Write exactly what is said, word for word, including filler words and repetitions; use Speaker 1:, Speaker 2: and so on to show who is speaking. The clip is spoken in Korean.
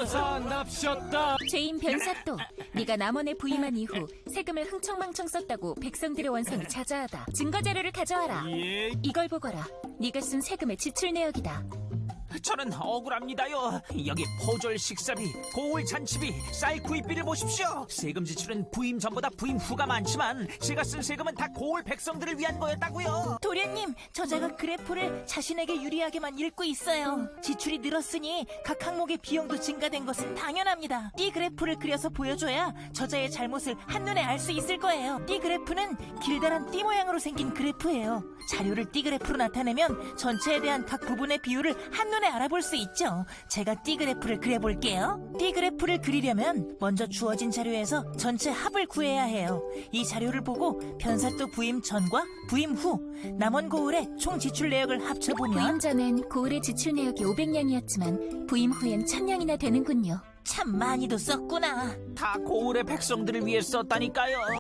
Speaker 1: 변호사 납셨다.
Speaker 2: 죄인 변사또, 네가 남원에 부임한 이후 세금을 흥청망청 썼다고 백성들의 원성이 자자하다. 증거자료를 가져와라.
Speaker 1: 예.
Speaker 2: 이걸 보거라. 네가 쓴 세금의 지출 내역이다.
Speaker 3: 저는 억울합니다요. 여기 포졸 식사비, 고울 잔치비, 쌀 구입비를 보십시오. 세금 지출은 부임 전보다 부임 후가 많지만 제가 쓴 세금은 다 고울 백성들을 위한 거였다고요.
Speaker 4: 도련님, 저자가 그래프를 자신에게 유리하게만 읽고 있어요. 지출이 늘었으니 각 항목의 비용도 증가된 것은 당연합니다. 띠 그래프를 그려서 보여줘야 저자의 잘못을 한눈에 알 수 있을 거예요. 띠 그래프는 길다란 띠 모양으로 생긴 그래프예요. 자료를 띠 그래프로 나타내면 전체에 대한 각 부분의 비율을 한눈에 알아볼 수 있죠. 제가 띠 그래프를 그려볼게요. 띠 그래프를 그리려면 먼저 주어진 자료에서 전체 합을 구해야 해요. 이 자료를 보고 변사또 부임 전과 부임 후 남원 고을의 총 지출 내역을 합쳐보면
Speaker 2: 부임 전엔 고을의 지출 내역이 오백 냥이었지만 부임 후엔 천 냥이나 되는군요.
Speaker 4: 참 많이도 썼구나.
Speaker 3: 다 고을의 백성들을 위해 썼다니까요.